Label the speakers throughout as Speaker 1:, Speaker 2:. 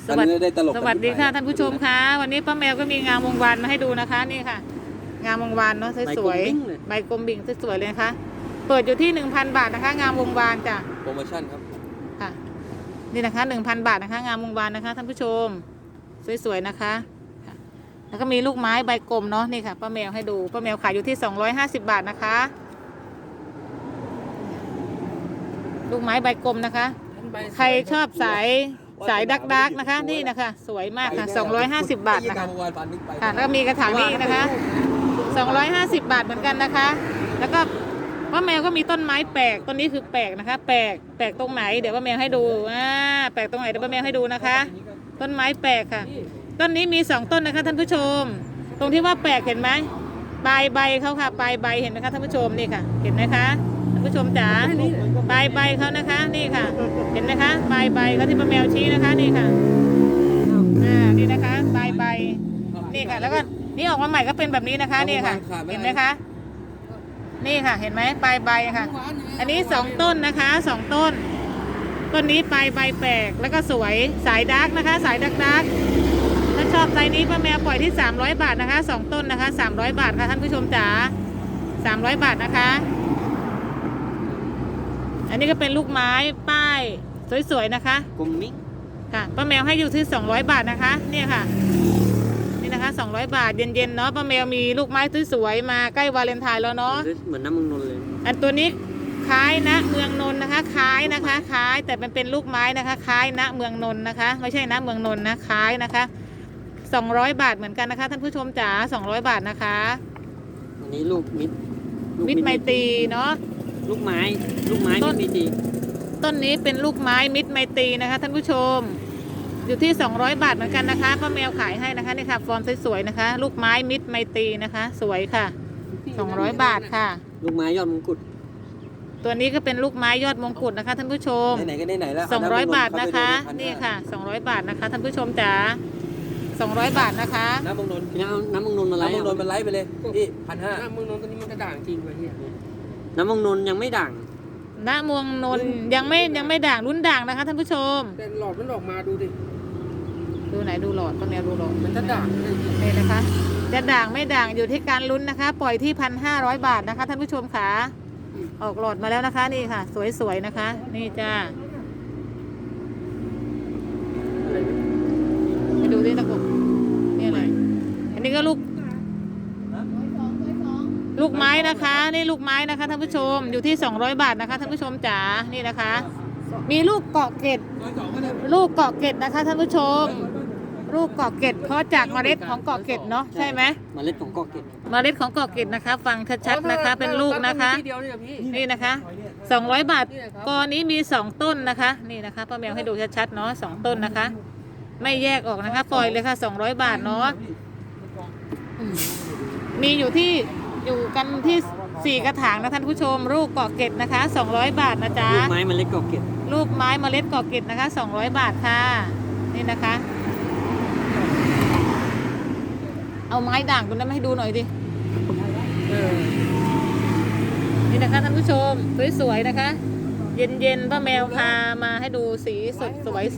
Speaker 1: สวัสดี
Speaker 2: ได้ตลก
Speaker 1: สวัสดีค่ะท่านผู้ชมคะวันนี้ป้าแมวก็มีงามวงวานมาให้ดูนะคะนี่ค่ะ งามวงวานเนาะสวยๆใบกลมบิ่งสวยๆเลยนะคะเปิดอยู่ที่ 1,000 บาทนะคะ งามวงวานจ้ะ
Speaker 2: โปรโมชั่นครับ
Speaker 1: ค่ะนี่นะคะ 1,000 บาทนะคะ งามวงวานนะคะท่านผู้ชมสวยๆนะคะค่ะแล้วก็มีลูกไม้ใบกลมเนาะนี่ค่ะป้าแมวให้ดูป้าแมวขายอยู่ที่250 บาทนะคะ ลูกไม้ใบกลมนะคะ ใครชอบสายดักนะคะนี่นะคะสวยมากค่ะ250 บาทนะคะค่ะแล้วก็มีกระถางนี้นะคะ250 บาทเหมือนกันนะคะ แล้วก็ป้าแมวก็มีต้นไม้แปลกต้นนี้คือแปลกนะคะแปลกตรงไหนเดี๋ยวป้าแมวให้ดูแปลกตรงไหนเดี๋ยวป้าแมวให้ดูนะคะ ต้นไม้แปลกค่ะต้นนี้มี2ต้นนะคะท่านผู้ชมตรงที่ว่าแปลกเห็นไหมปลายใบเขาค่ะปลายใบเห็นไหมคะท่านผู้ชมนี่ค่ะเห็นไหมคะท่านผู้ชมจ๋าปลายใบเขานะคะนี่ค่ะเห็นไหมคะปลายใบเขาที่ป้าแมวชี้นะคะนี่ค่ะนี่นะคะปลายใบนี่ค่ะแล้วก็นี่ออกมาใหม่ก็เป็นแบบนี้นะคะนี่ค่ะเห็นไหมคะนี่ค่ะเห็นไหมปลายใบค่ะอันนี้2ต้นนะคะ2ต้นต้นนี้ปลายใบแปลกแล้วก็สวยสายดาร์กนะคะสายดักถ้าชอบไซส์นี้ป้าแมวปล่อยที่300 บาทนะคะ2ต้นนะคะ300 บาทค่ะท่านผู้ชมจ๋า300 บาทนะคะอันนี้ก็เป็นลูกไม้ป้ายสวยๆนะคะ
Speaker 2: กลมมิ้ง
Speaker 1: ค่ะป้าแมวให้อยู่ที่200 บาทนะคะเนี่ยค่ะนี่นะคะ200 บาทเย็นๆเนาะป้าแมวมีลูกไม้สวยๆมาใกล้วาเลนไทน์แล้วเนาะ
Speaker 2: เหมือนน้ำมึงนนเลย
Speaker 1: อันตัวนี้คล้ายนะเมืองนนท์นะคะคล้ายนะคะคล้ายแต่มันเป็นลูกไม้นะคะคล้ายนะเมืองนนท์นะคะไม่ใช่นะเมืองนนท์นะคล้ายนะคะ200 บาทเหมือนกันนะคะท่านผู้ชมจ๋า200 บาทนะคะ
Speaker 2: อันนี้ลูกมิ
Speaker 1: ตรไมตรีเนาะ
Speaker 2: ลูกไม้มิตรไมตรี
Speaker 1: ต้นนี้เป็นลูกไม้มิตรไมตรีนะคะท่านผู้ชมอยู่ที่200 บาทเหมือนกันนะคะป้าแมวขายให้นะคะนี่ค่ะฟอร์มสวยๆนะคะลูกไม้มิตรไมตรีนะคะสวยค่ะ200 บาทค่ะ
Speaker 2: ลูกไม้ยอดมงกุฎ
Speaker 1: ตัวนี้ก็เป็นลูกไม้ยอดมงกุฎนะคะท่านผู้ชม
Speaker 2: ไหนก็ไหนแล้ว
Speaker 1: 200 บาทนะคะนี่ค่ะ200 บาทนะคะท่านผู้ชมจ๋า200 บาทนะคะ
Speaker 2: น้ำมึงนนอะไรน้ำมึงนนมันไล่ไปเลยพี่1,500น้ำมึงนนตัวนี้มันกระด่างจริงเลยเนี่ยน้ำมึงนนยังไม่ด่าง
Speaker 1: ณเมืองนนท์ยังไม่ด่างรุ่นด่างนะคะท่านผู้ชม
Speaker 3: แต่หลอดมันออกมาดูดิ
Speaker 1: ดูไหนดูหลอดป้าแมวดูหลอด
Speaker 3: มันจะด่าง
Speaker 1: นี่นะคะจะด่างไม่ด่างอยู่ที่การลุ้นนะคะปล่อยที่1,500 บาทนะคะท่านผู้ชมค่ะออกหลอดมาแล้วนะคะนี่ค่ะสวยๆนะคะนี่จ้าไปดูดิตะกุกนี่อะไรอันนี้ก็ลูกไม้นะคะนี่ลูกไม้นะคะท่านผู้ชมอยู่ที่200 บาทนะคะท่านผู้ชมจ๋านี่นะคะมีลูกเกาะเกตนะคะท่านผู้ชมลูกเกาะเกตเพราะจากเมล็ดของเกาะเกตเนาะใช่ไหม
Speaker 2: เมล็ดของเกาะเกต
Speaker 1: นะคะฟังชัดๆนะคะเป็นลูกนะคะนี่นะคะ200 บาทกอนี้มี2ต้นนะคะนี่นะคะป้าแมวให้ดูชัดๆเนาะ2ต้นนะคะไม่แยกออกนะคะปล่อยเลยค่ะ200 บาทเนาะมีอยู่กันที่4 กระถางนะท่านผู้ชมลูกเกาะเกตนะคะ200 บาทนะจ๊ะ
Speaker 2: ลูกไม้เมล็ดเกาะเกต
Speaker 1: ลูกไม้เมล็ดเกาะเกตนะคะ200 บาทค่ะนี่นะคะเอาไม้ด่างตัวนั้นมาให้ดูหน่อยดินี่นะคะท่านผู้ชมสวยๆนะคะเย็นๆป้าแมวพามาให้ดูสีสดสวยใส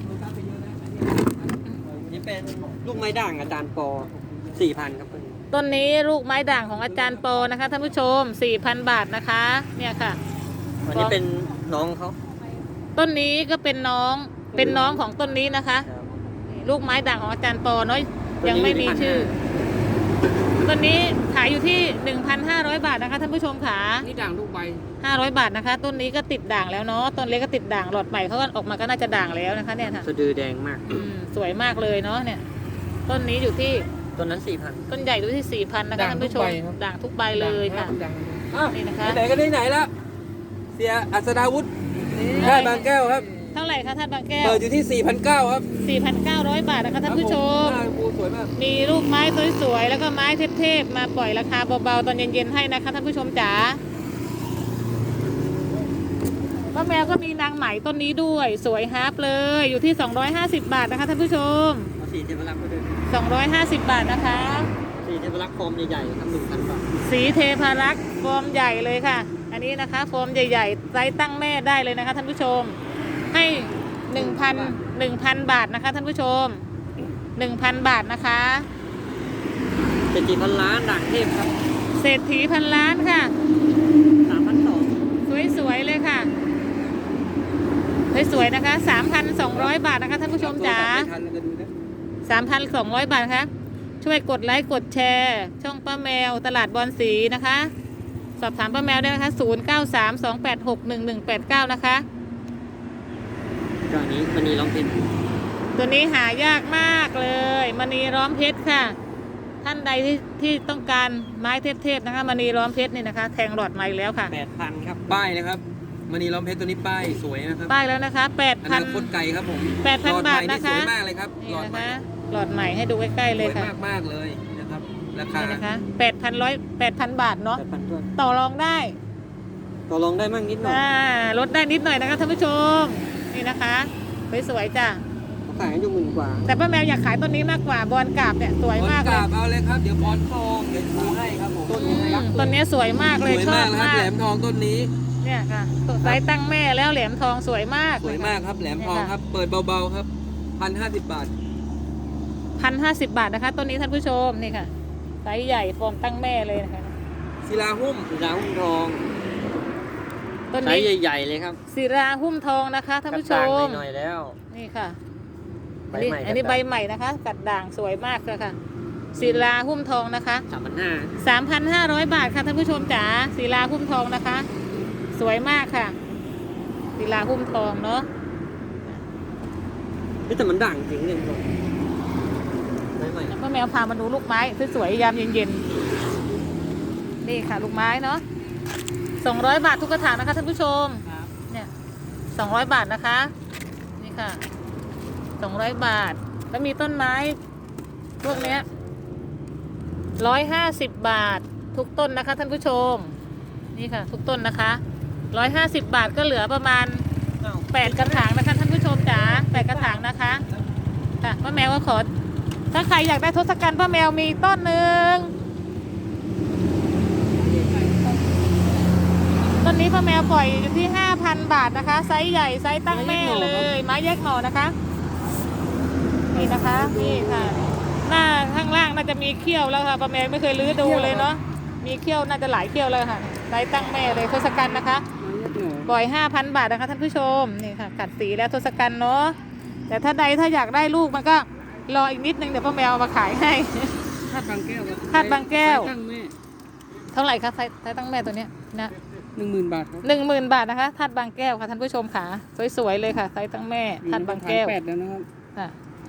Speaker 2: นี่เป็นลูกไม้ด่างอาจารย์ปอ 4,000 ครับ
Speaker 1: ต้นนี้ลูกไม้ด่างของอาจารย์ปอนะคะท่านผู้ชม 4,000 บาทนะคะเนี่ยค่ะ
Speaker 2: อันนี้เป็นน้องเขา
Speaker 1: ต้นนี้ก็เป็นน้องของต้นนี้นะคะลูกไม้ด่างของอาจารย์ปอเนาะยังไม่มีชื่อต้นนี้ขายอยู่ที่ 1,500 บาทนะคะท่านผู้ชมค่ะ
Speaker 3: นี่ด่างลูกใบ
Speaker 1: 500 บาทนะคะต้นนี้ก็ติดด่างแล้วเนาะต้นเล็กก็ติดด่างหลอดใหม่เขาก็ออกมาก็น่าจะด่างแล้วนะคะเนี่ยค่ะ
Speaker 2: สะดือแดงมาก
Speaker 1: สวยมากเลยเนาะเนี่ยต้นนี้อยู่ที่
Speaker 2: ต้นนั้น 4,000
Speaker 1: ต้นใหญ่อยู่ที่ 4,000 นะคะท่านผู้ชมด่างทุกใบเลยค่ะนี่นะคะ
Speaker 2: ไหนก็ไหนแล้วเสียอัศดาวุฒิได้บางแก้วครับ
Speaker 1: เท่าไหร่คะท่านบางแก้ว
Speaker 2: เปิดอยู่ที่ 4,900 ครับ
Speaker 1: 4,900 บาทนะคะท่านผู้ชมมีลูกไม้สวยๆแล้วก็ไม้เทพๆมาปล่อยราคาเบาๆตอนเย็นๆให้นะคะท่านผู้ชมจ๋าป้าแมวก็มีนางไหมต้นนี้ด้วยสวยฮาร์ปเลยอยู่ที่250 บาทนะคะท่านผู้ชม
Speaker 2: สีเทพรักษ์ไปเลย
Speaker 1: 250 บาทนะคะ
Speaker 2: สีเทพรักษ์ฟอร์มใหญ่ๆครับ 1,000 บาท
Speaker 1: สีเทพรักษ์ฟอร์มใหญ่เลยค่ะอันนี้นะคะฟอร์มใหญ่ๆไซส์ตั้งแม่ได้เลยนะคะท่านผู้ชมให้ 1,000 บาทนะคะท่านผู้ชม 1,000 บาทนะคะ
Speaker 2: เศรษฐีพันล้านด่างเทพครับ
Speaker 1: เศรษฐีพันล้านค่ะ
Speaker 2: 3,200
Speaker 1: สวยๆเลยค่ะสวยๆนะคะ 3,200 บาทนะคะท่านผู้ชมจ๋า 3,200 บาทค่ะช่วยกดไลค์กดแชร์ช่องป้าแมวตลาดบอนสีนะคะ สอบถามป้าแมวได้นะคะ0932861189นะคะ
Speaker 2: ก็อันนี้มันนีร้องเพลง
Speaker 1: ตัวนี้หายากมากเลยมณีล้อมเพชรค่ะ ท่านใดที่ต้องการไม้เทพๆนะคะมณีล้อมเพชรนี่นะคะ แทงหลอดไม้แล้วค่ะ
Speaker 2: 8,000 ครับ ป้ายนะครับมณีล้อมเพชรตัวนี้ป้ายสวยนะครับ
Speaker 1: ป้ายแล้วนะคะ
Speaker 2: อนาคตไกลครับผม
Speaker 1: 8,000 บาทนะคะ
Speaker 2: สวยมากเลยครับ
Speaker 1: นี่
Speaker 2: หลอด
Speaker 1: นะ
Speaker 2: ใหม่
Speaker 1: คะหลอดใหม่ให้ดูใกล้ๆ
Speaker 2: ส
Speaker 1: เลย
Speaker 2: วย
Speaker 1: ค่ะ
Speaker 2: มากๆเลยนะครับราคา
Speaker 1: นี่นะคะ8,000 บาทเนาะ
Speaker 2: 8,000ด้วย
Speaker 1: ต่อรองได้
Speaker 2: ต่อรองได้มั่งนิดหน่อย
Speaker 1: ลดได้นิดหน่อยนะคะท่านผู้ชมนี่นะคะสวยๆจ้ะ
Speaker 2: เขาขายกันอยู่10,000 กว่า
Speaker 1: แต่ป้าแมวอยากขายต้นนี้มากกว่าบอลกราบเนี่ยสวยมาก
Speaker 2: ก
Speaker 1: เลย
Speaker 2: ราบเอาเลยครับเดี๋ยวพรทองเดี๋ยวดูให้ครับผมต้นนี้ยักษ์
Speaker 1: ต้นนี้สวยมาก
Speaker 2: ส
Speaker 1: เลย
Speaker 2: วย
Speaker 1: ชอ
Speaker 2: มา
Speaker 1: บ
Speaker 2: กนะครับ
Speaker 1: มาก
Speaker 2: แหลมทองต้นนี้
Speaker 1: เนี่ยค่ะไซส์ตั้งแม่แล้วแหลมทองสวยมาก
Speaker 2: สวยมากครับแหลมทองครับเปิดเบาๆครับ1,050 บาท
Speaker 1: 1,050 บาทนะคะต้นนี้ท่านผู้ชมนี่ค่ะไซส์ใหญ่ฟอร์มตั้งแม่เลยนะคะ
Speaker 2: ศิลาหุ้มทอง
Speaker 1: ต้น
Speaker 2: ไซ
Speaker 1: นี้
Speaker 2: ส์ใหญ่ๆเลยครับ
Speaker 1: ศิราหุ้มทองนะคะท่านผู้ชม
Speaker 2: หน่อยๆแล้ว
Speaker 1: นี่ค่ะ
Speaker 2: ใบ
Speaker 1: อันนี้
Speaker 2: ใหม่
Speaker 1: อันนี้ใบใหม่นะคะ กัดด่างสวยมากเลยค่ะศิราหุ้มทองนะคะ
Speaker 2: 3,500
Speaker 1: 3,500 บาทค่ะท่านผู้ชมจ๋าศิลาหุ้มทองนะคะ สวยมากค่ะศิลาหุ้มทองเนาะ
Speaker 2: แต่มันด่างจริงเลยครับใบใหม่
Speaker 1: แล้วก็แมวพามาดูลูกไม้สวยๆยามเย็นๆนี่ค่ะลูกไม้เนาะ200 บาททุกกระถางนะคะท่านผู้ชมเนี่ย200 บาทนะคะนี่ค่ะ200 บาทแล้วมีต้นไม้พวกเนี้ย150 บาททุกต้นนะคะท่านผู้ชมนี่ค่ะทุกต้นนะคะ150 บาทก็เหลือประมาณ8 กระถางนะคะท่านผู้ชมจ๋า8 กระถางนะคะค่ะป้าแมวก็ขอถ้าใครอยากได้ทศกัณฐ์ป้าแมวมีต้นหนึ่งต้นนี้ป้าแมวปล่อยอยู่ที่ 5,000 บาทนะคะไซส์ใหญ่ไซส์ตั้งแม่เลยไม้แยกหน่อนะคะนี่นะคะนี่ค่ะหน้าข้างล่างน่าจะมีเขี้ยวแล้วค่ะป้าแมวไม่เคยลื้อดูเลยเนาะมีเขี้ยวน่าจะหลายเขี้ยวเลยค่ะไซส์ตั้งแม่เลยทศกัณฐ์นะคะปล่อย 5,000 บาทนะคะท่านผู้ชมนี่ค่ะกัดสีแล้วทศกัณฐ์เนาะแต่ถ้าอยากได้ลูกมันก็รออีกนิดนึงเดี๋ยวป้าแมวเอามาขายให้
Speaker 2: ธาตุบางแก้ว
Speaker 1: ธาตุบางแก้ว
Speaker 2: ตั้งแม่
Speaker 1: เท่าไหร่คะไซส์ตั้งแม่ตัวเนี้ยนะ
Speaker 2: 10,000 บาทครับ
Speaker 1: 10,000 บาทนะคะธาตุบางแก้วค่ะท่านผู้ชมค่ะสวยๆเลยค่ะไซส์ตั้งแม่ธาตุบางแก้ว
Speaker 2: 8แล้วนะครับ
Speaker 1: ค่ะ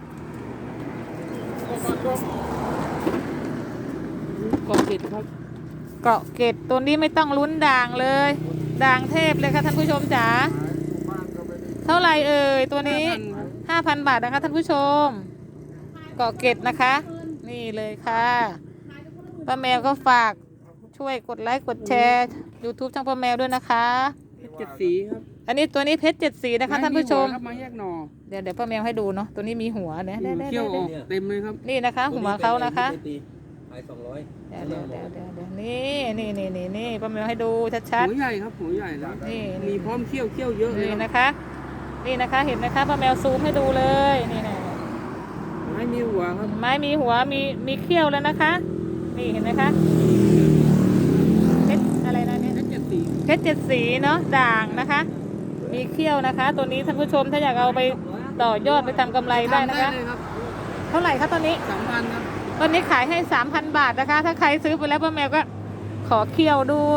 Speaker 2: กองเจ็ดครับ
Speaker 1: เกาะเกตตัวนี้ไม่ต้องลุ้นด่างเลยด่างเทพเลยค่ะท่านผู้ชมจ๋าเท่าไหร่เอ่ยตัวนี้ 5,000 บาทนะคะท่านผู้ชมเกาะเกตนะคะ นี่เลยค่ะป้าแมวก็ฝากช่วยกดไลค์กดแชร์ YouTube ช่องป้าแมวด้วยนะคะ
Speaker 2: 7 สีครับ
Speaker 1: อันนี้ตัวนี้เพชร7 สีนะคะท่านผู้ชม
Speaker 2: มาแยกหน่อ
Speaker 1: เดี๋ยวป้าแมวให้ดูเนาะตัวนี้มีหัวเนี่ย
Speaker 2: เขี้ยวออกเต็มเลยครับ
Speaker 1: นี่นะคะหัวเขานะคะ
Speaker 2: ขาย200
Speaker 1: เดี๋ยวนี่ป้าแมวให้ดูชัด
Speaker 2: หัวใหญ่ครับหัวใหญ่แล้ว
Speaker 1: นี่
Speaker 2: มีพร้อมเขี้ยวเยอะ
Speaker 1: ๆ
Speaker 2: เลย
Speaker 1: นี่
Speaker 2: ครับ
Speaker 1: นะคะ นี่นะคะเห็นไหมคะป้าแมวซูมให้ดูเลยนี่นะ
Speaker 2: ไม่มีหัวครับ
Speaker 1: ไม้มีหัวมีเขี้ยวแล้วนะคะ นี่เห็นไหมคะเพชรอะไรนะเนี่ย
Speaker 2: 7 สี
Speaker 1: เพชร7 สีเนาะด่างนะคะ มีเขี้ยวนะคะ ตัวนี้ท่านผู้ชมถ้าอยากเอาไปต่อยอดไปทำกำไรได้นะคะ
Speaker 2: เลยครับ
Speaker 1: เท่าไหร่คะตอนนี้
Speaker 2: 3,000 ครับ
Speaker 1: ตอนนี้ขายให้ 3,000 บาทนะคะ ถ้าใครซื้อไปแล้วป้าแมวก็ขอเคี่ยวด้วย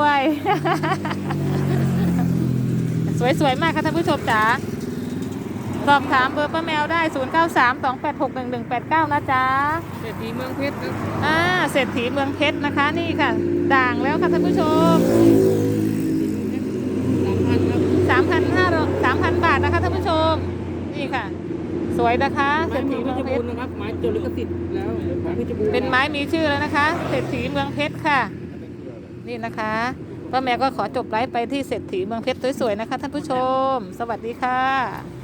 Speaker 1: สวยๆมากค่ะท่านผู้ชมจ๋าสอบถามเบอร์ป้าแมวได้ 0932861189 นะจ๊ะ
Speaker 2: เศรษฐีเมืองเพชรครับ
Speaker 1: เศรษฐีเมืองเพชรนะคะ นี่ค่ะ ด่างแล้วค่ะท่านผู้ชม 3,000 บาทนะคะท่านผู้ชม นี่ค่ะ สวยนะคะ
Speaker 2: ไม้
Speaker 1: เศรษ
Speaker 2: เมื
Speaker 1: ฐี
Speaker 2: องเพ
Speaker 1: เมือง
Speaker 2: ชร
Speaker 1: เพ
Speaker 2: บู
Speaker 1: ช
Speaker 2: ร
Speaker 1: ร
Speaker 2: ณ์นะครับไม้จดลิขสิทธิ์แล้วของเพชรบูรณ์
Speaker 1: เป็นไม้มีชื่อแล้วนะคะ เศรษฐีเมืองเพชรค่ะ นี่นะคะป้าแมวก็ขอจบไลฟ์ไปที่เศรษฐีเมืองเพชรสวยๆนะคะท่านผู้ชม สวัสดีค่ะ